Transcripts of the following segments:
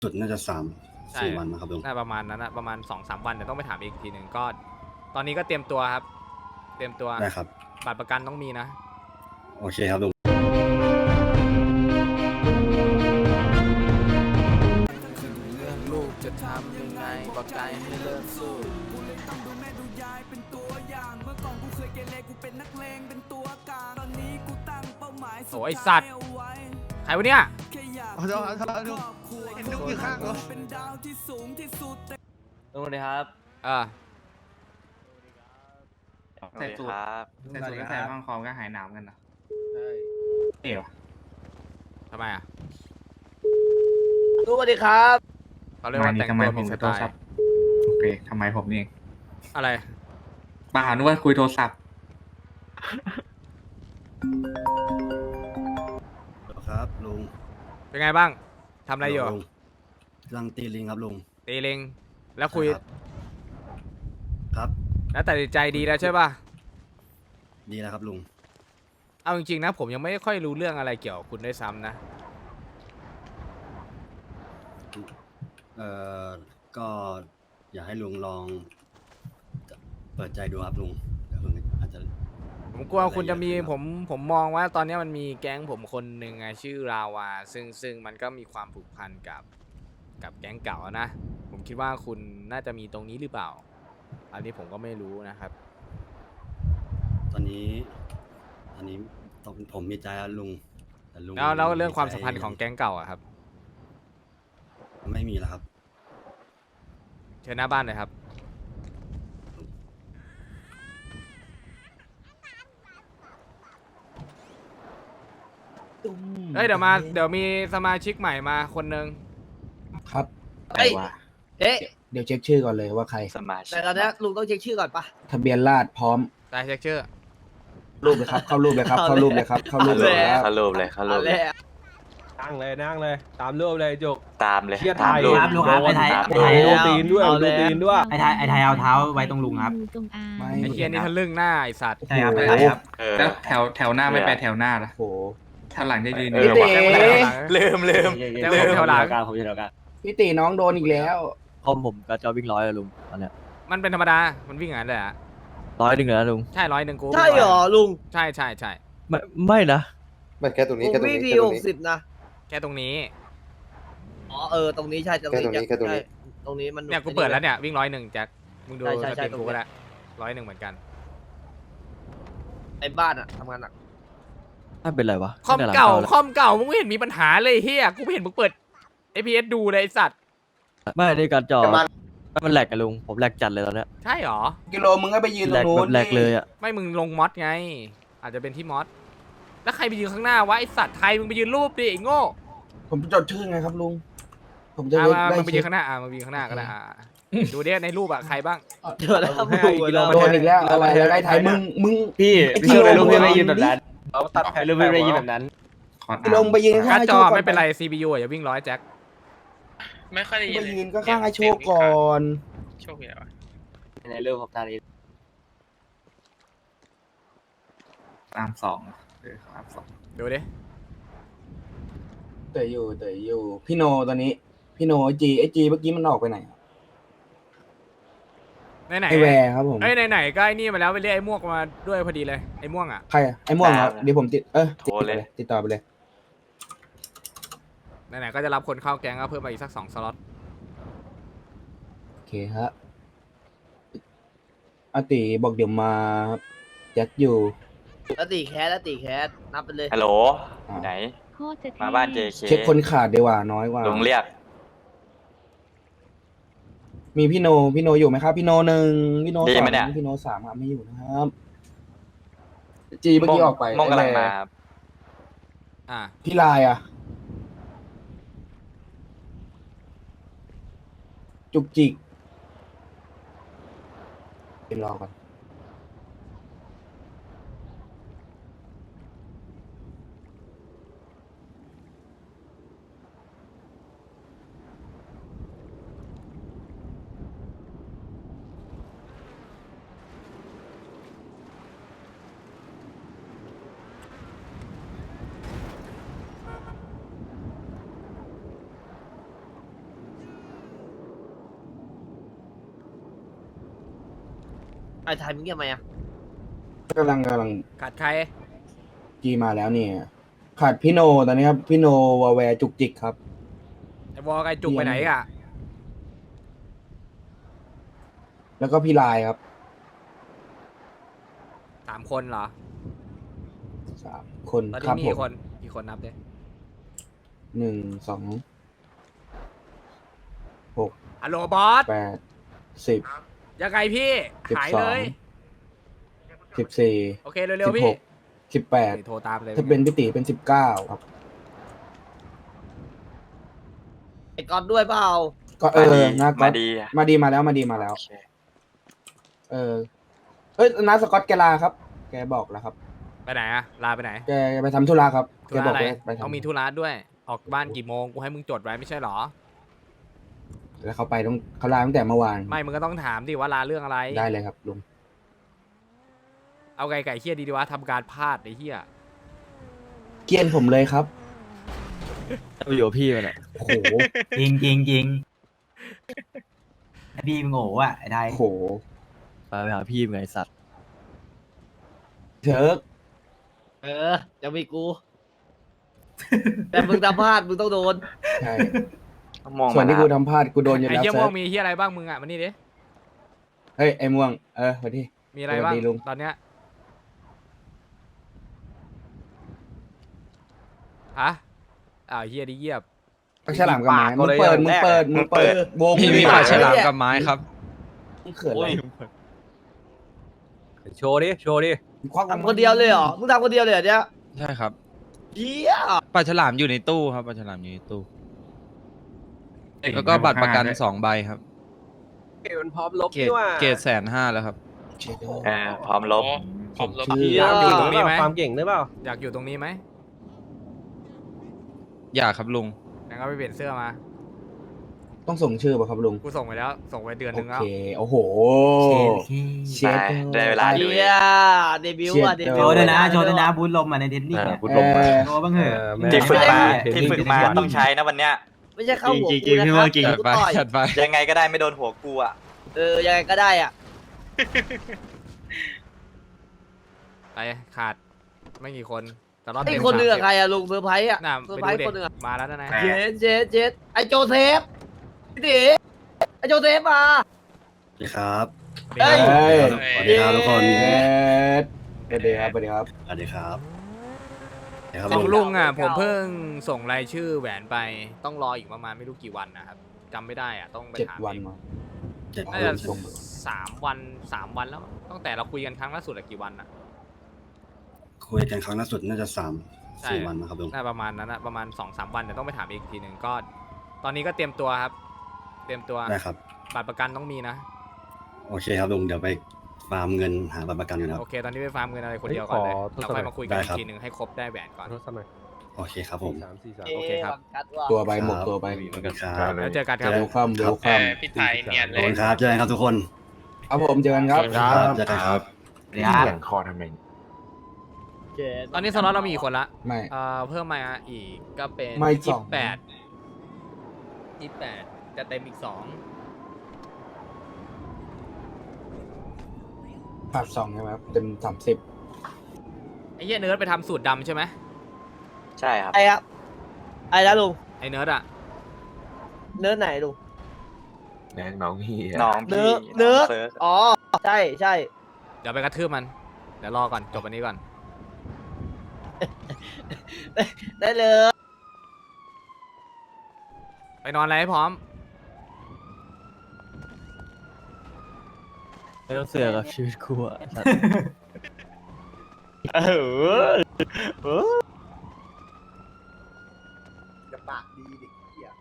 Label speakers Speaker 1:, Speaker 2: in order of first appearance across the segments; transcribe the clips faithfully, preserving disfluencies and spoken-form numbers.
Speaker 1: สุดน่าจะสาม
Speaker 2: ใช่
Speaker 1: สี่วันนะครับลุง
Speaker 2: น่าประมาณนั้นนะประมาณสองสามวันแต่ต้องไปถามอีกทีหนึ่งก็ตอนนี้ก็เตรียมตัวครับ เตรียมตัว
Speaker 1: ได้ครับ
Speaker 2: บัตรประกันต้องมีนะ
Speaker 1: โอเคครับลุง
Speaker 2: ลูกจะทำยังไงบอกใจให้เลิกสู้โอ้ยสัตว์ใครวะเนี่ย
Speaker 3: ขอโทษขอโทษลุงเห็นลุงอยู่ข้างรถ
Speaker 4: สวัสดีครับ
Speaker 2: เออ
Speaker 4: ใส่สูทใส่สูทก็ใส่ข้างคอก็หายหนาวกันนะใช่เอ๋ว
Speaker 2: ทำไมอ่ะ
Speaker 4: สวัสดีครับ
Speaker 2: เขาเรียกว่าแต่งตัวมีสไตล์
Speaker 4: โอเคทำไมผมนี่เอง
Speaker 2: อะไร
Speaker 4: มาหานึกว่าคุยโทรศัพท์
Speaker 1: ครับลุง
Speaker 2: เป็นไงบ้างทำอะไรอยู่
Speaker 1: ลุงกำลังตีลิงครับลุง
Speaker 2: ตีเลงแล้วคุย
Speaker 1: ครับครับ
Speaker 2: แล้วตัดสินใจดีแล้วใช่ป่ะ
Speaker 1: ดีแล้วครับลุง
Speaker 2: เอาจริงๆนะผมยังไม่ค่อยรู้เรื่องอะไรเกี่ยวกับคุณด้วยซ้ำนะ
Speaker 1: เอ่อ ก็อยากให้ลุงลองเปิดใจดูครับลุงเดี๋ยวผมอาจจะ
Speaker 2: ผมกลัวคุณจะมีผมผมมองว่าตอนนี้มันมีแก๊งผมคนหนึ่งไงชื่อราวาซึ่งซึ่งมันก็มีความผูกพันกับกับแก๊งเก่านะผมคิดว่าคุณน่าจะมีตรงนี้หรือเปล่า อันนี้ผมก็ไม่รู้นะครับ
Speaker 1: ตอนนี้ ตอนนี้ต้องผมมีใจแล้วลุงแต่ลุง
Speaker 2: แล้วแล้วเรื่องความ
Speaker 1: ใจ
Speaker 2: สัมพันธ์ของแก๊งเก่าอะครับ
Speaker 1: ไม่มีแล้วครับ
Speaker 2: เชิญหน้าบ้านเลยครับเฮ้ยเดี๋ยวมาเดี๋ยวมีสมาชิกใหม่มาคนหนึ่ง
Speaker 5: ครับ
Speaker 4: เอ้ยเอ๊ะ
Speaker 5: เดี๋ยวเช็คชื่อก่อนเลยว่าใคร
Speaker 4: สมาชิก
Speaker 6: แต่ตอนนี้ลุงต้องเช็คชื่อก่อนปะ
Speaker 5: ทะเบียนราษฎร์พร้อม
Speaker 2: ได้เช็คชื่อ
Speaker 5: รูปเลยครับ เข้ารูปเลยครับ เข้ารูปเลยครับ เข้ารูปเลยครับ
Speaker 4: เขารูปเลยเขารู
Speaker 6: เอา
Speaker 4: ป
Speaker 6: แล้
Speaker 4: เลยว
Speaker 3: นั่งเลยนั่งเลย ตามรูปเลยจุก
Speaker 4: ตามเลย
Speaker 3: เชียร์ไท
Speaker 4: ตาม
Speaker 3: ย
Speaker 4: รูป
Speaker 3: ครับลุงครับ
Speaker 4: โดน
Speaker 3: ไอ้ไทย
Speaker 4: ตาม
Speaker 3: ไอ้
Speaker 4: รู
Speaker 3: ไท
Speaker 4: ป
Speaker 3: ย ดูตีนด้วย
Speaker 6: เอา
Speaker 3: ดู
Speaker 6: แล้ว
Speaker 3: ตีนด้วย
Speaker 7: ไอ้ไทยไอ้ไทยเอาเท้าไว้ตรงลุงครับ
Speaker 8: จงอาง
Speaker 5: ไม่
Speaker 2: ไอ้เคียนี่ทะลึ่งหน้าไอ้สัตว์
Speaker 5: ใช่ครับใช่ครับ
Speaker 4: เออแล้วแถวแถวหน้าไม่ไปแถวหน้าล่ะ
Speaker 5: โอ้โห
Speaker 4: แถวหลังจะยืน
Speaker 5: เอ้ย
Speaker 4: อยู่
Speaker 5: เต๋
Speaker 4: ลืมลืม
Speaker 2: แถวแถวหลัง
Speaker 6: ผมอยู่แถวกลาง
Speaker 5: พี่ตีน้องโดนอีกแล้ว
Speaker 6: คอมผมก็จะวิ่งร้อยอะลุงตอนเนี้ย
Speaker 2: มันเป็นธรรมดา มันวิ่งอย่างนั้นเลยอะ
Speaker 6: ร้อยหนึ่งเลยนะลุง
Speaker 2: ใช่ร้อยหนึ่งกู
Speaker 6: ใช่เหรอลุง
Speaker 2: ใช่ใช่ใช่
Speaker 6: ไม่ไม่นะ
Speaker 9: ไม่แค่ตรงนี้
Speaker 6: ผม
Speaker 9: แค่ตรง
Speaker 6: วิ่ง
Speaker 9: นี้
Speaker 6: ที
Speaker 9: แค่ต
Speaker 6: ห
Speaker 9: รง
Speaker 6: ก
Speaker 9: นี้
Speaker 6: สิบนะ
Speaker 2: แค่ตรงนี้
Speaker 6: อ๋อเออตรงนี้ใช่ตรงนี้
Speaker 9: แค่ตรงนี้แค่ตรงนี้
Speaker 6: ใช่ตรงนี้มัน
Speaker 2: เนี่ยกูเปิดแล้วเนี่ยวิ่งร้อยหนึ่งแจ็คมึงดู
Speaker 6: ใช่ใช่
Speaker 2: ส
Speaker 6: ใช่
Speaker 2: ตรีม
Speaker 6: ตรง
Speaker 2: กู
Speaker 6: เนี้
Speaker 2: ก็
Speaker 6: ย
Speaker 2: ได้ร้อยหนึ่งเหมือนกัน
Speaker 6: ไอ้บ้านอะทำงานหนักถ้าเป็นไรวะ
Speaker 2: คอมเก่าคอมเก่ามึงไม่เห็นมีปัญหาเลยเฮียกูไม่เห็นมึงเปิด เอ พี เอส ดูเลยไอ้สัตว์
Speaker 6: ไม่ได้การจอ
Speaker 9: แต่บ้าน
Speaker 6: มันแหลกกันลุงผมแหลกจัดเลยตอนเนี้ย
Speaker 2: ใช่หรอ
Speaker 5: กิโลมึงก็ไปยืน
Speaker 6: แห
Speaker 5: ต
Speaker 6: ล
Speaker 5: รง
Speaker 6: ก
Speaker 5: นู้
Speaker 6: แบ
Speaker 5: น
Speaker 6: บแหลกเลยอะ
Speaker 2: ไม่มึงลงมอสไง อาจจะเป็นที่มอสแล้วใครไปยืนข้างหน้าวะไอสัตว์ไทยมึงไปยืนรูปดิไอ้โง่
Speaker 5: ผมจดชื่อไงครับลุง ผมจะ
Speaker 2: อ่ะ
Speaker 5: ได้
Speaker 2: มา
Speaker 5: ได้
Speaker 2: มึงไปยื
Speaker 5: เช็
Speaker 2: น
Speaker 5: ค
Speaker 2: ข้างหน้าอ่ะมึงไปยืนข้างหน้าก็ได้อ่ะดูดิในรูปอ่ะใครบ้าง
Speaker 6: เจอแล้ว
Speaker 3: ให้
Speaker 6: ดู
Speaker 3: อีกกิโล
Speaker 6: แล้ว
Speaker 5: โดนอีกแล้วอะไรอะไรไทยมึงมึง
Speaker 3: พี่
Speaker 5: ไอ้กิโลมึงไปยืนแบบนั้น
Speaker 3: เราตัดแผ่นรูปไม่ยืนแบบนั้น
Speaker 4: ขอ
Speaker 5: กิโลมึงไปยืนข้า
Speaker 2: การ์
Speaker 5: ง
Speaker 2: ด
Speaker 5: ไอ้
Speaker 2: จ
Speaker 5: โช
Speaker 2: อ
Speaker 5: คก่อน
Speaker 2: ไม่เป็นไร ซี พี ยู อ่ะอย่าวิ่งร้อยแจ็ค
Speaker 7: ไม่ค่อยได้ยิ
Speaker 5: ไป
Speaker 7: นเลย
Speaker 5: ยืนก็ข้างไอ้โชคก่อน
Speaker 7: โชคดีแล้ว
Speaker 6: ในเรื่องของการนี้
Speaker 4: ตามสองเออตามสอง
Speaker 2: ดูดิ
Speaker 5: เตยอยู่เตยอยู่ พี่โนตอนนี้ พี่โนไอจีไอจีเมื่อกี้มันออกไปไหน
Speaker 2: ไหนไหน
Speaker 5: ไอแวร์ครับผม
Speaker 2: เอ้ยไหนๆก็ไอ้นี่มาแล้วไปเรียกไอ้ม่วงมาด้วยพอดีเลยไอ้ม่วงอ่ะ
Speaker 5: ใครอะไอม่วงเหรอเดี๋ยวผมติดเออติดต่อไปเลยติดต่อไปเลย
Speaker 2: ไหนๆก็จะรับคนเข้าแก๊งก็เพิ่มมาอีกสักสองสล็อต
Speaker 5: โอเคฮะอาติบอกเดี๋ยวมาครับแจ็คอยู่
Speaker 6: แล้วตีแคสแล้วตีแคสนับไปเลย
Speaker 4: ฮัลโหล
Speaker 5: อ่า
Speaker 4: ไหน
Speaker 8: โคตรจะเท่
Speaker 4: มาบ้าน เจ เค
Speaker 5: เช็คคนขาดดีกว่าน้อยกว่า
Speaker 4: ลุงเรียก
Speaker 5: มีพี่โนพี่โนอยู่ไหมครับพี่โนหนึ่งพี่โน
Speaker 4: ดี
Speaker 5: สอ
Speaker 4: ไหม
Speaker 5: ง
Speaker 4: เนี่ย
Speaker 5: พี่โนสามครับไม่อยู่นะครับจีเมื่อกี้ออกไป
Speaker 4: มองกำลัง
Speaker 5: ไอ้แว
Speaker 4: มา
Speaker 5: ร์
Speaker 4: ครับ
Speaker 2: อ่ะ
Speaker 5: พี่ลายอ่ะ จุกจิกเป็นรอก่อน
Speaker 6: อ้ไทยมึงเงียบไหมอ่ะ
Speaker 5: กำลังกำลัง
Speaker 2: ขาดใคร
Speaker 5: จีมาแล้วเนี่ยขาดพี่โนตอนนี้ครับพี่โนวาแวร์จุกจิกครับ
Speaker 2: ไอ้วอลไอ้จุกไปไหนอ่ะ
Speaker 5: แล้วก็พี่ลายครับ
Speaker 2: สามคนเหรอ
Speaker 5: สามคน
Speaker 2: ตอน
Speaker 5: ครั
Speaker 2: นี้
Speaker 5: บ
Speaker 2: มี
Speaker 5: ผ
Speaker 2: กี่
Speaker 5: ม
Speaker 2: คนกี่คนนับดิ
Speaker 5: หนึ่งสองหก
Speaker 2: ฮัลโหลบอส
Speaker 5: แปดสิบ
Speaker 2: ยังไงพี่
Speaker 5: สิบ
Speaker 2: หาย
Speaker 5: สอ
Speaker 2: เล
Speaker 5: ง
Speaker 2: ย
Speaker 5: สิบสี่
Speaker 2: โอเค เร็
Speaker 5: สิ
Speaker 2: ว
Speaker 5: บ
Speaker 2: ๆ พี่
Speaker 5: หกสิบแปด
Speaker 2: นี่โทรตามเลย
Speaker 5: ถ้าเป็นพี่ตีเป็นสิบเก้าครับ
Speaker 6: ไอ้ก๊อตด้วยเปล่า
Speaker 5: ก็เออนะก็
Speaker 8: มาดีอะ
Speaker 5: มาดีมาแล้วมาดีมาแล้ว
Speaker 8: โอเค
Speaker 5: เออเอ้ยนาสกอตแกลาครับ แกบอกแล้วครับ
Speaker 2: ไปไหนอะลาไปไหน
Speaker 5: แกไปทำธุระครับ
Speaker 2: ธุ
Speaker 5: แก
Speaker 2: ระ
Speaker 5: บอก
Speaker 2: อะไร
Speaker 5: ว่าไปทำ
Speaker 2: ต้องมีธุระด้วย ออกบ้านกี่โมง กูให้มึงจดไว้ไม่ใช่เหรอ
Speaker 5: แล้วเขาไปต้องเขาลาตั้งแต่เมื่อวาน
Speaker 2: ไม่ มึงก็ต้องถามดิว่าลาเรื่องอะไร
Speaker 5: ได้เลยครับลุง
Speaker 2: เอาไก่ไก่เฮียดีดีวะทำการพลาดไอ้เฮีย
Speaker 5: เกลียนผมเลยครับ
Speaker 3: อยู่กับพี่มันอ่ะ
Speaker 5: โอ้โห
Speaker 7: จริงจริงจริงไอพี่มึงโง่อะไอ้ไทย
Speaker 5: โอ้โห
Speaker 3: ไปหาพี่มึงไงสัตว์
Speaker 5: เชิร์ก
Speaker 6: เออยังมีกู แต่มึงทำพลาดมึงต้องโดน
Speaker 5: ใช่
Speaker 8: มอง
Speaker 5: ส่ว
Speaker 8: มาน
Speaker 5: ที่
Speaker 8: นะ
Speaker 5: กูทำพลาดกูโดนอยู่
Speaker 2: ไอ้
Speaker 5: แล้ว
Speaker 2: เฮีย
Speaker 5: เซิ
Speaker 2: ม่ว
Speaker 5: ร์
Speaker 2: ง
Speaker 5: ก
Speaker 2: มีเฮียอะไรบ้างมึงอะมานี่ดิ
Speaker 5: เฮ้ยไอ้ม่วงเออสวัสดี
Speaker 2: มีอะไรบ้าง
Speaker 5: สวัสดีลุง
Speaker 2: ตอนเนี้ยฮะอ้าวเฮียดิเยียบ
Speaker 5: ปากฉลามกับไม้
Speaker 3: ปาก
Speaker 5: มึง
Speaker 3: เลย
Speaker 5: เปิด
Speaker 3: อย่าง
Speaker 5: มึง
Speaker 3: แรก
Speaker 5: เปิดมึงเปิดวง
Speaker 6: พี่มี
Speaker 5: ปา
Speaker 6: ปาก ก
Speaker 5: ฉ
Speaker 6: ฉ
Speaker 5: ลา
Speaker 6: ลาม มกับไม้ครับ
Speaker 5: มึงเขินอะไร
Speaker 3: โชว์ดิโชว์ดิ
Speaker 5: มึงควัก
Speaker 6: ทำคนเดียวเลยเหรอ มึงทำคนเดียวเลยเหรอเนี่ย
Speaker 9: ใช่ครับ
Speaker 6: เหี้ย
Speaker 9: ปลาฉลามอยู่ในตู้ครับปลาฉลามอยู่ในตู้ แล้วก็บัตรประกันสองใบครับ
Speaker 3: เกมมันพร้อมลบ
Speaker 9: เกรด
Speaker 3: นี่ว่า
Speaker 9: เกรดแสนห้าแล้วครับ
Speaker 5: เช็ด
Speaker 8: เออพร้อมลบ
Speaker 7: พร้อมลบ
Speaker 5: ชื่อ
Speaker 2: อยากอยู่ตรงนี้ไหม
Speaker 3: ความเก่งหรือเปล่า
Speaker 2: อยากอยู่ตรงนี้ไหม
Speaker 9: อยากครับลุง
Speaker 2: งั้นก็ไปเปลี่ยนเสื้อมา
Speaker 5: ต้องส่งชื่อป่ะครับลุง
Speaker 2: กูส่งไปแล้ว ส่งไปเดือนห
Speaker 5: โอ
Speaker 2: นึงแล้ว
Speaker 5: เคโอ้โห
Speaker 7: เค
Speaker 5: เช็ด
Speaker 8: ได้เวลาดู
Speaker 6: เหี้ยเดบิวต์อ่ะ
Speaker 5: เชี่
Speaker 6: เด
Speaker 5: ย
Speaker 6: บิ
Speaker 7: โช
Speaker 6: ว
Speaker 7: ว์
Speaker 6: ต์
Speaker 7: ด้วยนะโชว์ด้วยนะบูทลมมาในเทนนิส
Speaker 8: เออ
Speaker 7: เนี่ย
Speaker 8: พูดลงมา
Speaker 7: โชว์บ้างเหอะ
Speaker 3: เออแม่
Speaker 8: ที่ฝึกมา
Speaker 3: เทนนิส
Speaker 8: ที่ฝึกมาต้องใช้นะวันเนี้ย
Speaker 6: ไม่ใช่เข้าหัว
Speaker 9: จริงๆ
Speaker 6: กูนะ
Speaker 9: พี่
Speaker 6: ครั
Speaker 9: ว่า
Speaker 6: บ
Speaker 9: จริง
Speaker 6: กูต่อย
Speaker 9: จัดไป
Speaker 8: ยังไงก็ได้ไม่โดนหัวกูอ่ะ
Speaker 6: เออยังไงก็ได้อ่ะ
Speaker 2: ไปขาดไม่กี่คน แต่รอบ
Speaker 6: ไอ้
Speaker 2: เต็ม
Speaker 6: คนหนึ่ง
Speaker 2: สา
Speaker 6: อะ
Speaker 2: ม
Speaker 6: ใครอะลุงเซอร์ไพรส์อะ
Speaker 2: น่ะ
Speaker 6: เซอ
Speaker 2: ไป
Speaker 6: ร์ไพร
Speaker 2: ดู
Speaker 6: ส์
Speaker 2: เด็
Speaker 6: คนหนึ่งอะ
Speaker 2: มาแล้วนะนาย
Speaker 6: เจ็ดเจ็ดเจ็ดไอโจเซฟพี่ตีไอโจเซฟมา
Speaker 1: สวัสดีครับ
Speaker 6: เฮ้ย
Speaker 5: เฮ้ย
Speaker 1: สวัสดีครับทุกคน
Speaker 5: เช็ดสวัสดีครับสวัสดีครับ
Speaker 1: สวัสดีครับสวัสดีครับ
Speaker 2: ข
Speaker 1: ลุ
Speaker 2: อง
Speaker 1: ง
Speaker 2: ลุงอ่ะ
Speaker 6: เก่า
Speaker 2: ผมเพิ่งส่งรายชื่อแหวนไป ต้องรออีกประมาณไม่รู้กี่วันนะครับจำไม่ได้อ่ะต้องไป
Speaker 5: เจ็ด
Speaker 2: ถาม
Speaker 5: วัน
Speaker 2: เอง
Speaker 5: มา
Speaker 1: เจ็ด
Speaker 2: น่า
Speaker 1: วั
Speaker 2: จะ
Speaker 1: น
Speaker 5: ส่ง
Speaker 2: สามวันสามวันแล้วตั้งแต่เราคุยกันครั้งล่าสุดอะกี่วันอะ
Speaker 1: คุยกันครั้งล่าสุดน่าจะสาม
Speaker 2: ใช่
Speaker 1: สี่วันนะครับลุง
Speaker 2: น่าประมาณนั้นนะประมาณสองสามวันแต่ต้องไปถามอีกทีหนึ่งก็ ตอนนี้ก็เตรียมตัวครับ เตรียมตัว
Speaker 1: ได้ครับ
Speaker 2: บัตรประกันต้องมีนะ
Speaker 1: โอเคครับลุงเดี๋ยวไปฟาร์มเงินหาบัตรประกันกันครับ
Speaker 2: โอเค ตอนนี้ไปฟาร์มเงินอะไรคนเดียวก่อนเลย
Speaker 3: เฮ้ยขอ
Speaker 2: เราค่อยมาคุยกัน
Speaker 1: ได้
Speaker 2: อี
Speaker 1: ครับ
Speaker 2: กทีหนึ่งให้ครบได้แหวนก่อน
Speaker 3: โทษสมัย
Speaker 1: โอเคครับผม
Speaker 3: สามสี่สาม
Speaker 2: โอเคครับ
Speaker 6: บังกัดว่ะ
Speaker 5: ตัวไปหมดตัวไป
Speaker 1: สวัสดีครับ
Speaker 2: แล้วเจอกันครับ
Speaker 5: เวลคัมเวล
Speaker 7: เอ
Speaker 5: คัม
Speaker 7: อพี่ไทยเนียน
Speaker 1: ข
Speaker 7: เล
Speaker 1: อบ
Speaker 7: ย
Speaker 1: คุณครับเจอกันครับทุกคน
Speaker 5: ครับผมเจอกันครับ
Speaker 1: เจอกันครับ
Speaker 7: เดี๋ยว
Speaker 8: อย่างคอทำไม
Speaker 6: เจ็ด
Speaker 2: ตอนนี้สล็อตเรามีกี่คนละ
Speaker 5: ไม่
Speaker 2: เอ่อเพิ่มมาอีกก็เป็น
Speaker 5: ไม่ส
Speaker 2: ยี่
Speaker 5: อง
Speaker 2: สิบแปดยี่สิบแปดจะเต็มอีกสอง
Speaker 5: ขาดสองใช่ไหมครับเต็มสามสิบ
Speaker 2: ไอ้เหี้ยเนิร์ดไปทำสูตรดำใช่ไหม
Speaker 8: ใช่ครับ
Speaker 6: ไอ้ครับไอ้แล้วลุง
Speaker 2: ไอ้เนิร์ดอะ
Speaker 6: เนื้อไหนลุง
Speaker 8: น้องพี่น้อง
Speaker 6: เนื้
Speaker 8: พี่
Speaker 6: อเนื้อ
Speaker 8: เซิร์ช
Speaker 6: อ๋อใช่ใช่
Speaker 2: เดี๋ยวไปกระทืบมัน เดี๋ยวรอก่อนจบอันนี้ก่อน
Speaker 6: ได้เลย
Speaker 2: ไปนอนอะไรให้พร้อม
Speaker 3: ไม่ต้องเสือกกับชีวิตกูอ่ะ
Speaker 5: จะปากดีดิเหี้ย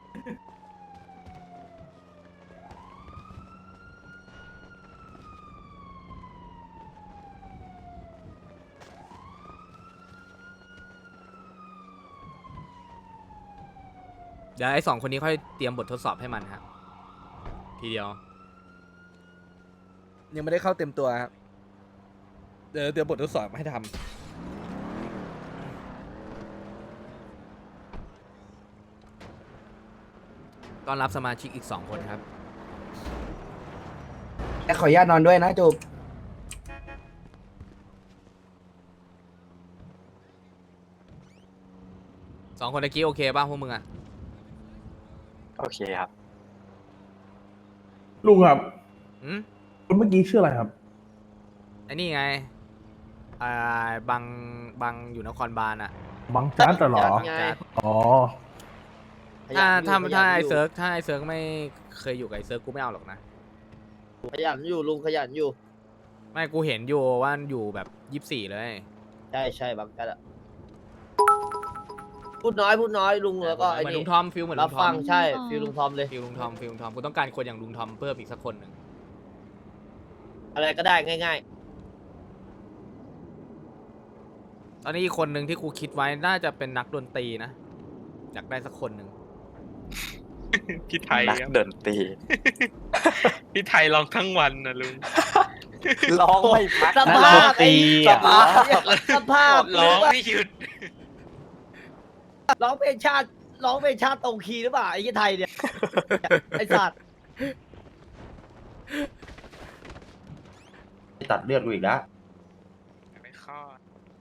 Speaker 2: เดี๋ยวไอ้สองคนนี้ค่อยเตรียมบททดสอบให้มันครับทีเดียว ยังไม่ได้เข้าเต็มตัวครับเดี๋ยวเตรียมบททดสอบให้ทำต้อนรับสมาชิกอีกสองคนครับ
Speaker 5: แต่ขออนุญาตนอนด้วยนะจุก
Speaker 2: สองคนตะกี้โอเคป่ะพวกมึงอะ
Speaker 8: โอเคครับ
Speaker 10: ลุงครับ
Speaker 2: อืม
Speaker 10: คนเมื่อกี้ชื่ออะไรครับ
Speaker 2: ไอ้นี่ไงอ่าบังบังอยู่นครบาลอะ
Speaker 10: บังจัดเหรอ
Speaker 6: จัดไง
Speaker 10: อ๋อ
Speaker 2: ถ้าถ้า
Speaker 6: ขยันอยู่
Speaker 2: ถ้าไอ
Speaker 6: ขยันยู่
Speaker 2: เซิร์กถ้าไอเซิร์กไม่เคยอยู่กับไอเซิร์กกูไม่เอาหรอกนะ
Speaker 6: ขยันอยู่ลุงขยันอยู่
Speaker 2: ไม่กูเห็นอยู่ว่าอยู่แบบยี่สิบสี่เลย
Speaker 6: ใช่ใช่บางกันอะพูดน้อยพูดน้อยลุงแล้วก็ไอ้
Speaker 2: เหมือน
Speaker 6: นี่
Speaker 2: ลุงทอมฟิลเหมือน
Speaker 6: รั
Speaker 2: ลุ
Speaker 6: บ
Speaker 2: งทอ
Speaker 6: ฟั
Speaker 2: ม
Speaker 6: งใช่ฟิลลุงทอมเลย
Speaker 2: ฟิลลุงทอมฟิลลุงทอมกูต้องการคนอย่างลุงทอมเพิ่มอีกสักคนหนึ่ง
Speaker 6: อะไรก็ได้ง่าย
Speaker 2: ตอนนี้อีกคนหนึ่งที่กูคิดไว้น่าจะเป็นนักดนตรีนะอยากได้สักคนหนึ่ง
Speaker 9: พี่ไทย
Speaker 8: นัก
Speaker 9: ครับ
Speaker 8: ดนตรี
Speaker 9: พี่ไทยร้องทั้งวันนะลุง
Speaker 8: ร้องไม่พัก
Speaker 6: ๆสภาพไอ้
Speaker 8: สภาพ
Speaker 6: สภาพ
Speaker 9: ร้องไม่หยุด
Speaker 6: ร้องเพลงชาติร้องเพลงชาติตรงคีย์หรือเปล่าไอ้ยี่ไทยเนี่ยไอ้สัตว์
Speaker 3: ตัดเลือดกูอีกแล้ว
Speaker 9: ไม่ข้อ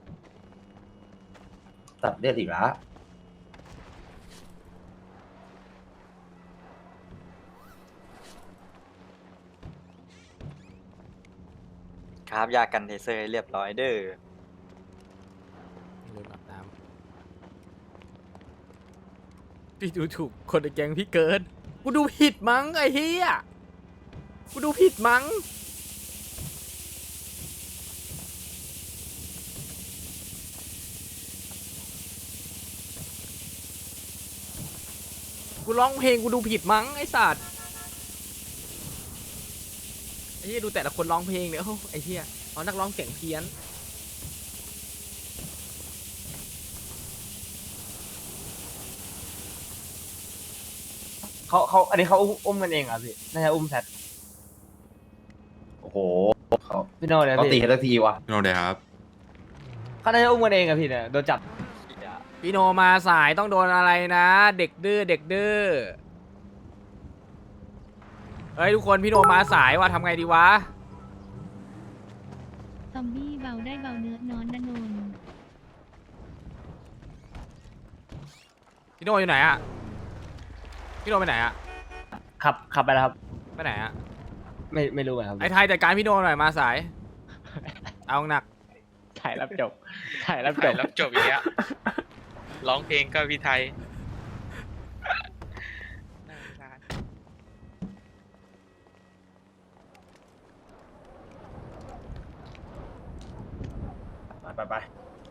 Speaker 3: ตัดเลือดอีกแล้ว
Speaker 8: ครับยากันเทเซอร์ให้เรียบร้อยเด้อ
Speaker 2: ลืมอาบน้ำพี่ดูถูกคนในแก๊งพี่เกินกูดูผิดมั้งไอ้เฮียกูดูผิดมั้งกูร้องเพลงกูดูผิดมั้งไอ้สัตว์ไอ้เฮียดูแต่ละคนร้องเพลงเนี่ยโอ้ไอ้เฮียเอานักร้องเสียงเพี้ยน
Speaker 3: เขาเขาอันนี้เขาอุ้มกันเองเหรอพี่น่าจะอุ้มแพทโอ้โหเขาพี่โน่เนี่ยเขาตีกันสักทีวะ
Speaker 9: โนเดียครับ
Speaker 3: เขาน่าจะอุ้มกันเองอะพี่เนี่ยโดนจับ
Speaker 2: พี่โนมาสายต้องโดนอะไรนะ เด็กดื้อเด็กดื้อเฮ้ยทุกคนพี่โนมาสายว่ะทำไงดีวะ
Speaker 11: ซอมบี้เบาได้เบาเนื้อนอนนะนน
Speaker 2: พี่โนอยู่ไหนอะพี่โนไปไหนอะ
Speaker 3: ขับขับไปแล้วครับ
Speaker 2: ไปไหนอะ
Speaker 3: ไม่ไม่รู้เหมือนกันครับ
Speaker 2: ไอ้ไทยจัดการพี่โนหน่อยมาสาย เอาหนัก
Speaker 3: ถ่ายรับจบถ่ายรับจ
Speaker 9: ถ่าย
Speaker 3: บ
Speaker 9: รับจบอีกแล้วร้องเพลงก็พี่ไทย
Speaker 3: ไปไปไป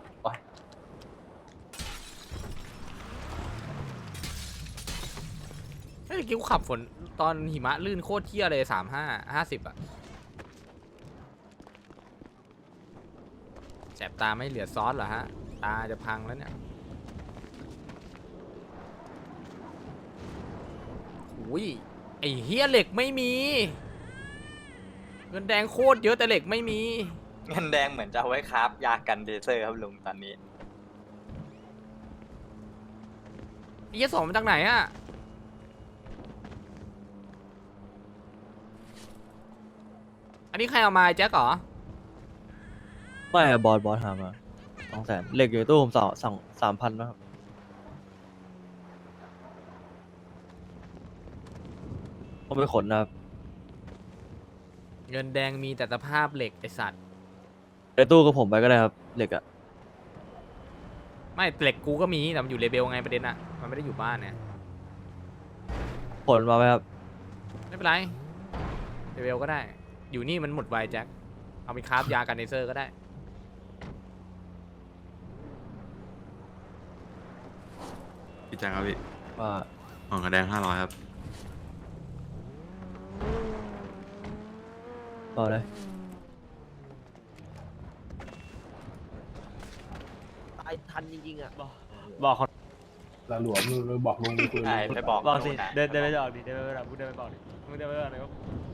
Speaker 2: เฮ้ยเมื่อกี้กูขับฝนตอนหิมะลื่นโคตรเที่ยเลยสามห้าห้าสิบอะแสบตาไม่เหลือซอสเหรอฮะ ตาจะพังแล้วเนี่ยอุ้ยไอเฮียเหล็กไม่มี เงินแดงโคตรเยอะแต่เหล็กไม่มี
Speaker 8: เงินแดงเหมือนจะเอาไว้ครับยากันเทเซอร์ครับลุงตอนนี้
Speaker 2: ไอ้เหี้ยสองมาจากไหนอะอันนี้ใครเอามาไอ้แจ็คเหรอ
Speaker 3: ไม่บอสบอสหามาสองแสนเหล็กอยู่ในตู้ผมสองสองสามพันนะครับผมไปขนนะครับ
Speaker 2: เงินแดงมีแต่สภาพเหล็กไอสัตว์
Speaker 3: ในตู้กับผมไปก็ได้ครับเหล็กอะ
Speaker 2: ไม่เหล็กกูก็มีแต่มันอยู่เลเบลไงประเด็นอะมันไม่ได้อยู่บ้านเนี่ย
Speaker 3: ขนมาไหมครับ
Speaker 2: ไม่เป็นไรเลเบลก็ได้ อยู่นี่มันหมดไวแจ็คเอาไปคราฟยากันเนเซอร์ก็ได้
Speaker 9: พี่แจ็คครับพี่
Speaker 3: ว่า
Speaker 9: ของกระแดงห้าร้อยครับ
Speaker 3: ต่อเลย
Speaker 6: ตายทันจริงๆอ่ะ
Speaker 3: บอกเขา
Speaker 10: ลาหลวมเลยบอกลุงคุย
Speaker 8: ใช่ไปบอก
Speaker 3: บอกสิ
Speaker 8: ลุงนะ
Speaker 3: เดินเดินไปบอกดิเดินไปบอกมึงเดินไปบอกดิมึงเดินไปบอกเลยว่า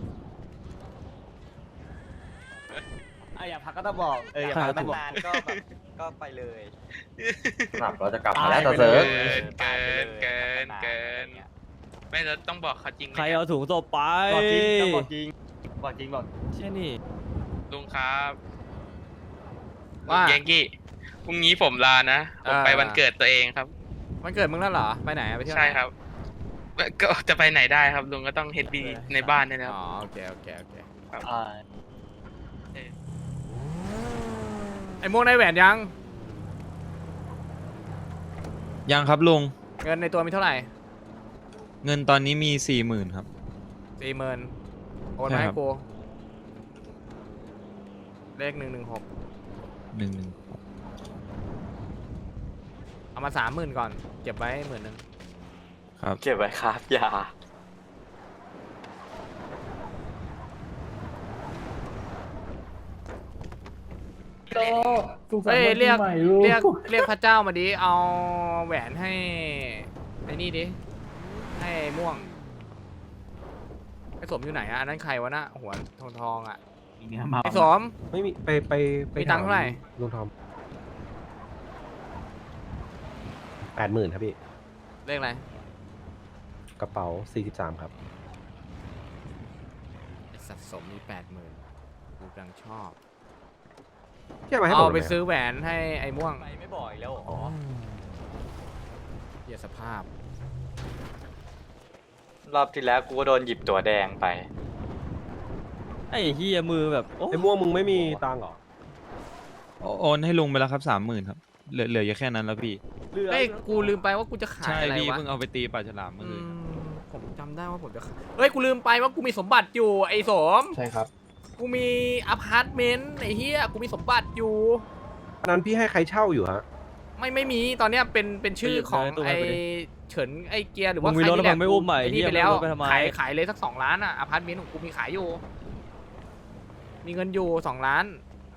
Speaker 3: อ่ะอยากพักก็ต้องบอกเอออยากพักก็ต้องบอก
Speaker 8: นานๆก็แบบก็ไปเลย
Speaker 3: ครับเราจะกลับ
Speaker 6: ตาม
Speaker 3: าย แล้ว
Speaker 6: ไป
Speaker 3: ตา
Speaker 6: เล
Speaker 3: เซิร์
Speaker 6: ย
Speaker 3: ฟ
Speaker 9: เกินเกินเกิน ไม่เราต้องบอกเขาจริงไหม
Speaker 3: ใครเอาถุงศพไปบอกจริงต้องบอกจริงบอกจริงบอกเช่นนี่
Speaker 9: ลุงครับ
Speaker 2: ว่า
Speaker 9: ลุงยังกี้พรุ่งนี้ผมลานะ ผมไป
Speaker 2: เออ
Speaker 9: วันเกิดตัวเองครับ
Speaker 2: วมันเกิดมึงแล้วเหรอไปไหนอะไปเที่ยวไหน
Speaker 4: ใช่ครับ ก็จะไปไหนได้ครับลุงก็ต้องเฮดบีในบ้านนี่นะครับ
Speaker 2: อ๋อโอเคโอเคโอเค
Speaker 3: อ่า
Speaker 2: ไอ้ม่วงได้แหวนยัง
Speaker 9: ยังครับลุง
Speaker 2: เงินในตัวมีเท่าไหร่
Speaker 9: เงินตอนนี้มีสี่หมื่นครับ
Speaker 2: สี่หมื่นโอน
Speaker 9: ใช่
Speaker 2: มาให้
Speaker 9: ครับ
Speaker 2: กูเลขหนึ่งหนึ่งหก
Speaker 9: หนึ่งหนึ่ง
Speaker 2: เอามาสามหมื่นก่อนเก็บไว้หมื่นหนึ่ง
Speaker 9: ครับ
Speaker 8: เก็บไว้ครับยา
Speaker 10: สุขสัน
Speaker 2: เฮ้ย
Speaker 10: ต์วันปี
Speaker 2: เรียก
Speaker 10: ใหม่ลูก
Speaker 2: เรียกเรียกพระเจ้ามาดิเอาแหวนให้ไอ้นี่ดิให้ไอ้ม่วงไอ้สมอยู่ไหนอะอันนั้นใครวะน่ะหัวทองทองๆอะ
Speaker 7: มีเนื้อเมา
Speaker 2: ไอ้สม
Speaker 10: ไม่มีไปไปไป
Speaker 2: มีตังค์เท่าไหร่
Speaker 10: ลุงทอมแปดหมื่นครับพี่
Speaker 2: เลขอะไร
Speaker 10: กระเป๋าสี่สิบสามครับ
Speaker 2: ไอ้สัตว์สมมีแปดหมื่นกูกำลังชอบ
Speaker 10: เที่ยวมาให้ผม
Speaker 2: เอาไป
Speaker 10: หน่อย
Speaker 2: ซื้อแหวนให้ไอ้ม่วง
Speaker 8: ไปไม่บ่อยแล้ว
Speaker 10: อ๋อ
Speaker 2: เหี้ยสภาพ
Speaker 8: รอบที่แล้วกูก็โดนหยิบตัวแดงไป
Speaker 9: ไอ้เฮียมือแบบโอ้
Speaker 10: ไอ้ม่วงมึงไม่มีตังค์เหรอ
Speaker 9: โอนให้ลุงไปแล้วครับสามหมื่นครับเหลือเหลืออยู่แค่นั้นแล้วพี่
Speaker 2: เฮ้ยกูลืมไปว่ากูจะขา
Speaker 9: ใช่
Speaker 2: ยอะไร
Speaker 9: พี่
Speaker 2: วะ
Speaker 9: เพิ่งเอาไปตีปลาฉลามเมื่อ
Speaker 2: อื
Speaker 9: คืน
Speaker 2: มผมจำได้ว่าผมจะขายเฮ้ยกูลืมไปว่ากูมีสมบัติอยู่ไอ้สม
Speaker 5: ใช่ครับ
Speaker 2: กูมีอพาร์ตเมนต์ไอ้เหี้ยกูมีสมบัติอยู่
Speaker 10: อันนั้นพี่ให้ใครเช่าอยู่ฮะ
Speaker 2: ไม่ไม่มีตอนเนี้ยเป็นเป็นชื่อของ
Speaker 9: ไปหยิบเลยตัว
Speaker 2: ไอ้
Speaker 9: ไปดิ
Speaker 2: เฉินไอ้เกียร์หรือว่า
Speaker 9: มึง
Speaker 2: ใค
Speaker 9: มี
Speaker 2: ร
Speaker 9: รถ
Speaker 2: นี่แหละ
Speaker 9: แล้วมึงไม่อุ้มใหม่
Speaker 2: ไอ้นี่
Speaker 9: เหี้ย
Speaker 2: ไปแล้ว
Speaker 9: มึงเอารถไปทำไม
Speaker 2: ขายขายเลยสักสองล้านอ่ะอพาร์ตเมนต์ของกูมีขายอยู่ มีเงินอยู่สองล้าน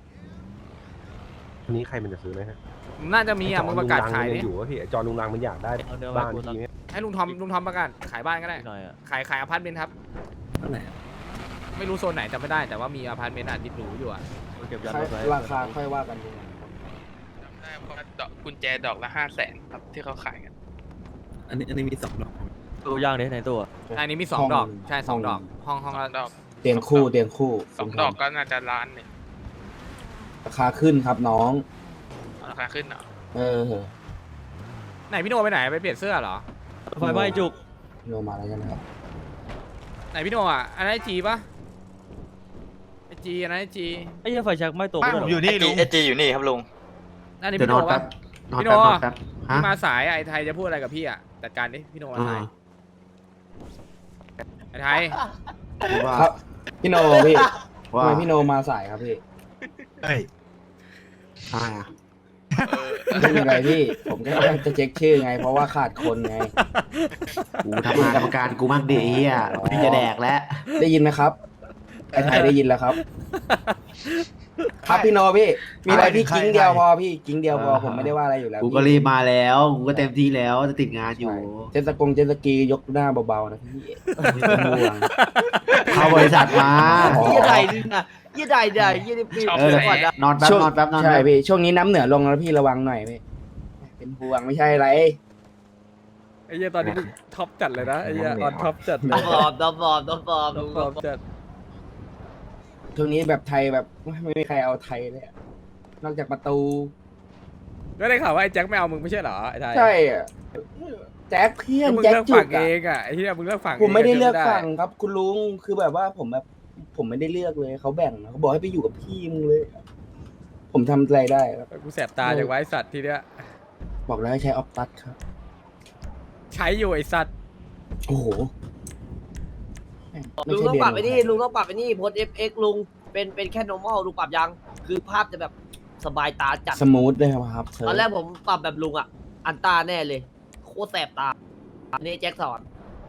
Speaker 10: อันนี้ใครมันจะซื้อไหมฮะ
Speaker 2: น่าจะมีอ่ะมึงประกาศขาย
Speaker 10: ไอ้
Speaker 2: ดิ
Speaker 10: จอลุงรังมันงอยู่วะพี่ไอ้จอลุงรังมันอยากได้
Speaker 9: เอาเนื้อ
Speaker 10: บ้าน
Speaker 9: มากู
Speaker 10: พี่ไหม
Speaker 2: ให้ลุงทอมลุงทอมประกาศขายบ้านก็ได้
Speaker 9: หน่อยอ่ะ
Speaker 2: ขายขายอพาร์ตเมนต์ครับ
Speaker 1: เท่าไหร่
Speaker 2: ไม่รู้โซนไหนจำไม่ได้แต่ว่ามีอพาร์ตเมนต์อ่ะที่หรูอยู่อ่ะ
Speaker 9: เก็บยันไว้
Speaker 5: ราคาค่อยว่ากันดู
Speaker 4: จำได้ว่าดอกกุญแจดอกละห้าแสนครับที่เขาขายกัน
Speaker 1: อันนี้อันนี้มีสองดอก
Speaker 9: ตู้ย่างได้ในตัว
Speaker 2: อันนี้มีสองดอกใช่สองดอกห้องห้อง
Speaker 4: สอ
Speaker 2: ละ
Speaker 4: งดอก
Speaker 5: เตียงคู่เตียงคู่
Speaker 4: สองดอกก็น่าจะล้านหนึ่ง
Speaker 5: ราคาขึ้นครับน้อง
Speaker 4: ราคาขึ้นเหรอ
Speaker 5: เออ
Speaker 2: ไหนพี่โนไปไหนไปเปลี่ยนเสื้อเหรอ
Speaker 9: ไฟไหม้จุก
Speaker 5: โนมาแล้วกันนะครับ
Speaker 2: ไหนพี่โนอ่ะอันนั้นไอจีปะไอจีอันนั้นไอจี
Speaker 9: ไอ้เหี้ยไฟแช็กไหม้ตก
Speaker 4: บ้านผมอยู่นี่
Speaker 8: ไอ
Speaker 4: ลุ
Speaker 8: จี
Speaker 4: ง
Speaker 8: ไอจีอยู่นี่ครับลุง
Speaker 2: นั่นนี่พี่โนปะพี่โนพี่มาสายอะไอไทยจะพูดอะไรกับพี่อ่ะจัดการดิพี่โนมาสายไอไทย
Speaker 5: ครับพี่โนพี่ทำไมพี่โนมาสายครับพี่
Speaker 10: เฮ้ยใช่อะ
Speaker 5: ไม่มีอะไรพี่ ผมแค่จะเช็คชื่อไง เพราะว่าขาดคนไง
Speaker 7: กูทำงานกรรมการกูมากดีอ่ะพี่จะแดกแล้ว
Speaker 5: ได้ยินไหมครับไอ้ไทยได้ยินแล้วครับ ครับพี่โนพี่ มีอะไรพี่กิ้งเดียวพอพี่กิ้งเดียวพอผมไม่ได้ว่าอะไรอยู่แล้ว
Speaker 7: กูก็รีบมาแล้ว กูก็เต็มที่แล้วจะติดงานอยู่
Speaker 5: เจตสกงเจตสกียกหน้าเบาๆนะพี่ไม่ต้องห่วง
Speaker 7: เข้าบริษัทมา
Speaker 5: อ๋อ
Speaker 6: ยี่ใดนี่นะยี่ใดใดยี่ดิบปี
Speaker 4: ชอบ
Speaker 7: เออ
Speaker 4: แส
Speaker 6: ก่อน
Speaker 4: ง
Speaker 6: นะ
Speaker 7: นอนแป๊บ
Speaker 5: ช่วง
Speaker 7: นอนแป๊บนอน
Speaker 5: ใช่
Speaker 7: แป๊บ
Speaker 5: พี่ช่วงนี้น้ำเหนือลงแล้วพี่ระวังหน่อยพี่เป็นห่วงไม่ใช่อะไร
Speaker 2: ไอ้เหี้ยตอนนี้ท็อปจัดเลยนะไอ้เหี้ยออนท็อปจัดเล
Speaker 6: ดอย มบอมดอมบอมดอมบอม
Speaker 2: ท็อปจัด
Speaker 5: ช่วงนี้แบบไทยแบบไม่มีใครเอาไทยเลยอะนอกจากประตู
Speaker 2: ก็ได้ข่าวว่าไอ้แจ็คไม่เอามึงไม่ใช่เหรอไอ้ไทย
Speaker 5: ใช่อะแจ็คเพี้ยน
Speaker 2: มึง
Speaker 5: แจ็ค
Speaker 2: เลือก
Speaker 5: จุ
Speaker 2: ฝั่
Speaker 5: ก
Speaker 2: งเอ
Speaker 5: อะ
Speaker 2: งอ่ะไอ้เหี้ยมึงเลือกฝั่ง
Speaker 5: ผมไม่ได้เลือก
Speaker 2: ง
Speaker 5: ฝั่งครับ คุณลุงคือแบบว่าผมแบบผมไม่ได้เลือกเลยเขาแบ่งนะเขาบอกให้ไปอยู่กับพี่มึงเลย ผมทำอะไรได้ครับ
Speaker 2: กูแสบตาจากไว้สัตว์ทีเนี้ย
Speaker 5: บอกแล้วให้ใช้ออฟตัสครับ
Speaker 2: ใช้อยู่ไอ้สัตว์
Speaker 5: โอ้โหไม่
Speaker 6: ลุง
Speaker 5: ใช่
Speaker 6: ต้องปรับ
Speaker 5: เดื
Speaker 6: ไอ้นี่ลุงต้องปรับไอ้นี่โพสเอฟเอ็กลุงเป็นเป็นแค่ normal ลุงปรับยัง คือภาพจะแบบสบายตาจัด
Speaker 5: สมูทเลยครับเธ
Speaker 6: ตอนแรกผมปรับแบบลุงอ่ะ อันตาแน่เลย โคตรแสบตาอันนี้แจ็คสอน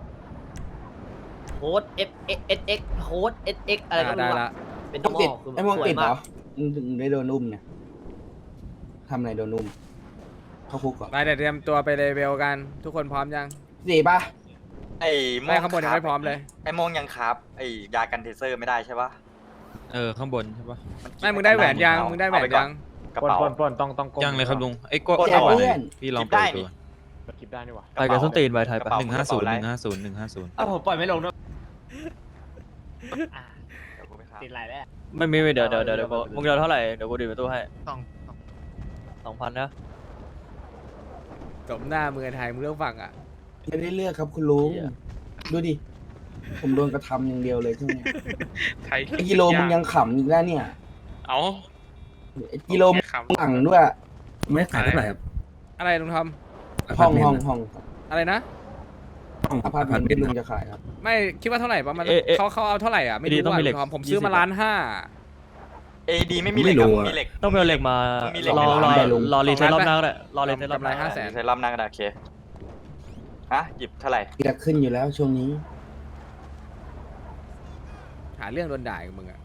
Speaker 6: โฮสเอฟเอสเอ็กโฮสเอสเอ็กอะไรก็ไม่
Speaker 2: ได้
Speaker 6: รู้
Speaker 2: ละ
Speaker 6: อะเป็น
Speaker 5: ต้องติด
Speaker 6: normal คือ
Speaker 5: ไอ้มอง
Speaker 6: สวย
Speaker 5: ติดเหร
Speaker 6: มา
Speaker 5: อก มึงถึงได้โดนอุ้มเนี่ยทำอะไรโดนอุ้มเข้าคุกก่อน
Speaker 2: ไปเดี๋ยวเตรียมตัวไปเลเวลกัน ทุกคนพร้อมยัง
Speaker 5: สี่ป่ะ
Speaker 8: ไอ้โม
Speaker 2: ไม่
Speaker 8: ง
Speaker 2: ข้างบนยังไม่พร้อมเลย
Speaker 8: ไอ้โมงยังครับไอ้ยากันเทเซอร์ไม่ได้ใช่ปะ
Speaker 9: เออข้างบนใช่ปะ
Speaker 8: นกิน
Speaker 2: ไม่มึงได้แหวนยัง
Speaker 8: เอา
Speaker 2: มึงได้แหวน
Speaker 8: เอาไปก่อ
Speaker 2: ยัง
Speaker 8: กระเป๋า
Speaker 10: ต้องต้อง
Speaker 9: ยังเลยครับลุงไอ้กด
Speaker 8: กด
Speaker 5: แจก
Speaker 8: เอาอะ
Speaker 5: เพื่อน
Speaker 9: พี่ลอง
Speaker 8: คลิปได้
Speaker 9: เปิด
Speaker 8: นี่
Speaker 9: ดู
Speaker 10: คลิปได้นี่หว่า
Speaker 9: ไปกับส้นตีนใบไทย
Speaker 8: ก
Speaker 9: ปะ
Speaker 8: ระเป๋า
Speaker 9: หนึ่งห้าศูนย์
Speaker 8: กระ
Speaker 9: หนึ่ง
Speaker 8: เป๋า
Speaker 9: ห้าศูนย์หนึ่งห้าศูนย์
Speaker 3: อ้าวผมปล่อยไม่ลงด้วย
Speaker 8: เดี๋ยวกูไปครับ
Speaker 3: ติดไรแล้ว
Speaker 9: ไม่ไม่ไม่เดี๋ยวเดี๋ยวเดี๋ยวเดี๋ยวมึงเดี๋ยวเท่าไหร่เดี๋ยวกูดีประตูให้
Speaker 3: สอง
Speaker 9: สองพันนะ
Speaker 2: สมหน้าเมืองไทยมึงเรื่องฟังอ่ะ
Speaker 5: ไม่ได้เลือกครับคุณลุงดูดิผมโดนกระทำอย่างเดียวเลยช่วงนี้
Speaker 4: ไทย
Speaker 5: ไอ้กิโลมึงยังขำอีกแล้วเนี่ย
Speaker 4: เอา
Speaker 5: ไอ้กิโลมึงหลังด้วย
Speaker 1: ไม่ขายเท่าไหร่ครับ
Speaker 2: อะไรลุงทอม
Speaker 5: ห้องห้องห้อง
Speaker 2: อะไรนะ
Speaker 5: ห้องอพาร์ตเมนต์ที่ลุงจะขายครับ
Speaker 2: ไม่คิดว่าเท่าไหร่ประมาณ
Speaker 9: เอ๊ะเอ๊ะ
Speaker 2: เขาเขาเอาเท่าไหร่อ่ะไม่รู้
Speaker 9: ต้อง
Speaker 2: ว่า
Speaker 9: มีเหล็
Speaker 2: ลุ
Speaker 9: ก
Speaker 2: งทอมผมซื้อมา
Speaker 9: ยี่สิบ
Speaker 2: ล้านห้า
Speaker 8: เอดีไม่มีเหล็กครับมีเหล็ก
Speaker 9: ต้องไปเอาเหล็กมา
Speaker 8: มีเหล็ก
Speaker 9: รอรอ
Speaker 5: ได้ลุง
Speaker 9: รอรีเซ็ตรอบหน้าก็ได้รอรีเซ็ตรอบหน้า
Speaker 2: ห้าแสน
Speaker 8: ใช้รอบหน้าก็ได้โอเคฮะหยิบเท่าไหร่
Speaker 5: จะขึ้นอยู่แล้วช่วงนี้
Speaker 2: หาเรื่องโดนด่ากับมึงอ่ะ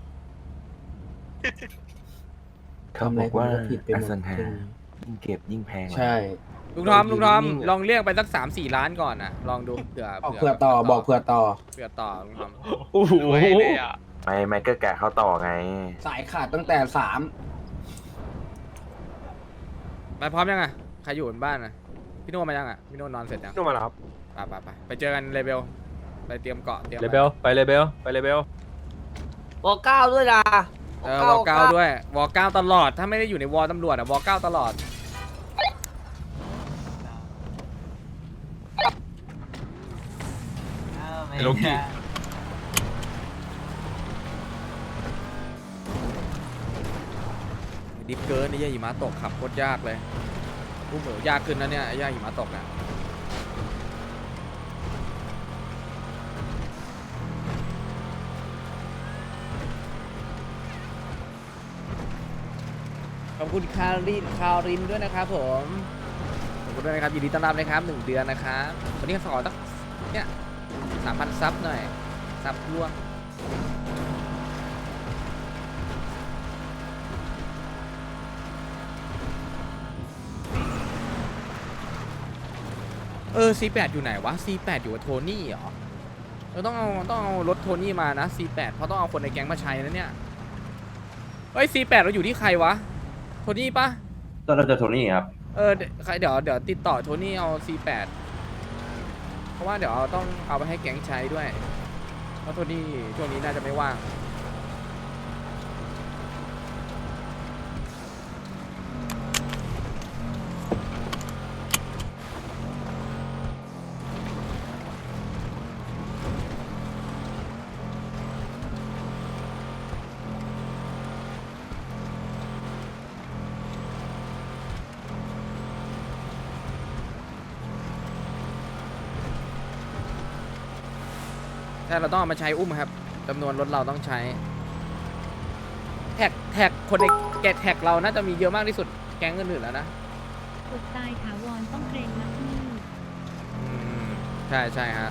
Speaker 5: เขาบอกว่าผิดไปหมด
Speaker 7: ยิ่งเก็บยิ่งแพง
Speaker 5: ใช่
Speaker 2: ลุงทอมลุงทอมลองเรียกไปสักสามสี่ล้านก่อนนะลองดูเผื่อ
Speaker 5: บอกเผื่อต่อบอกเผื่อต่อ
Speaker 2: เผื่อต่อลุงทอม
Speaker 9: โอ้โห
Speaker 4: เลยอ่ะ
Speaker 7: ไม่ไม่ก็แกะเขาต่อไง
Speaker 5: สายขาดตั้งแต่สาม
Speaker 2: ไปพร้อมยังอ่ะใครอยู่บนบ้านอ่ะพี่โน่มายังอ่ะพี่โน่นอนเสร็จยัง
Speaker 10: นู่นมาแล้วครับ
Speaker 2: ไปไปไปไปเจอกันเลเบลไปเตรียมเกาะเตรียม
Speaker 10: เลเบลไปเลเบลไปเลเบล
Speaker 6: วอเก้าด้วยนะ
Speaker 2: เออวอลเก้าด้วยวอลเก้าตลอดถ้าไม่ได้อยู่ในวอลตำรวจอ่ะวอลเก้าตลอด
Speaker 8: โลกิ
Speaker 2: ดิฟเกินไอ้ย่าหิมะตกขับโคตรยากเลยกูเหมือยากขึ้นนะเนี่ยไอ้ย่าหิมะตกอ่ะขอบคุณคารินคารินด้วยนะครับผมขอบคุณด้วยนะครับยินดีต้อนรับนะครับหนึ่งเดือนนะครับวันนี้ขอสักเนี่ยสามพันซับหน่อยซับร่วงเออ ซี แปด อยู่ไหนวะ ซี แปด อยู่กับโทนี่เหรอเราต้องเอาต้องเอารถโทนี่มานะ ซี แปด เพราะต้องเอาคนในแก๊งมาใช้นะเนี่ยเฮ้ย ซี แปด เราอยู่ที่ใครวะโทนี่ปะ
Speaker 3: ตอนเราจะโทนี่ครับ
Speaker 2: เออเดี๋ยวใครเดี๋ยวเดี๋ยวติดต่อโทนี่เอา ซี แปด เพราะว่าเดี๋ยวเอาต้องเอาไปให้แก๊งใช้ด้วยเพราะโทนี่ช่วงนี้น่าจะไม่ว่างถ้าเราต้องเอามาใช้อุ้มครับจำนวนรถเราต้องใช้แท็กแท็กคนในแกะแท็กเราน่าจะมีเยอะมากที่สุดแก๊งอื่นๆแล้วนะ
Speaker 11: อดตายถาวรต้องเกรงนักหนี้
Speaker 2: อืมใช่ใช่ฮะ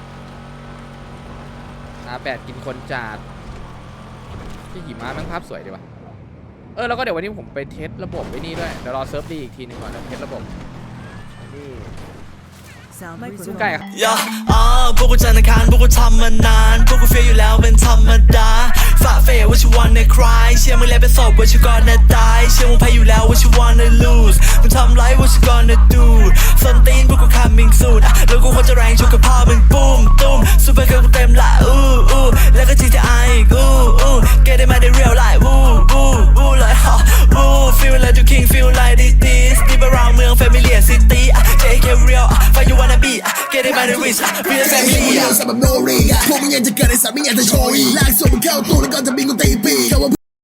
Speaker 2: อาแปดกินคนจาดที่หิมะแม่งภาพสวยดีว่ะเออแล้วก็เดี๋ยววันนี้ผมไปเทสระบบไว้นี่ด้วยเดี๋ยวรอเซิร์ฟดีอีกทีหนึงก่อนแล้วเทสระบบนี่ซึ่งไก่
Speaker 12: ย่าอ่าพวกกูจันทร์อังคารพวกกูทำมานานพวกกูเฟียอยู่แล้วเป็นธรรมดาฝ่าเฟย what you wanna cry เชื่อมึงแล้วเป็นศพ what you gonna die เชื่อมึงแพ้อยู่แล้ว what you wanna lose มึงทำไร what you gonna do ส้นตีนพวกกู coming soon อ่ะแล้วกูควรจะแรงชกกับพ่อมึงปุ้มตุ้มซูเปอร์เกิร์ลกูเต็มละอู้อู้แล้วก็ จี ที ไอ อีกอู้อู้ get it มาได้ real life วู้วู้วู้เลยฮะวู้ feel like you king feel like this this deep around เมือง familiar city อ่ะ เจ เค real อ่ะ fight you wanna be อ่ะ get it มาได้ rich อ่ะ real family อ่ะ
Speaker 13: พวกมึงยังจะเกิดในสามไม่อยากจะโชยลากส่งมึงเข้าตู้แล้วก็จะบินกูตีปี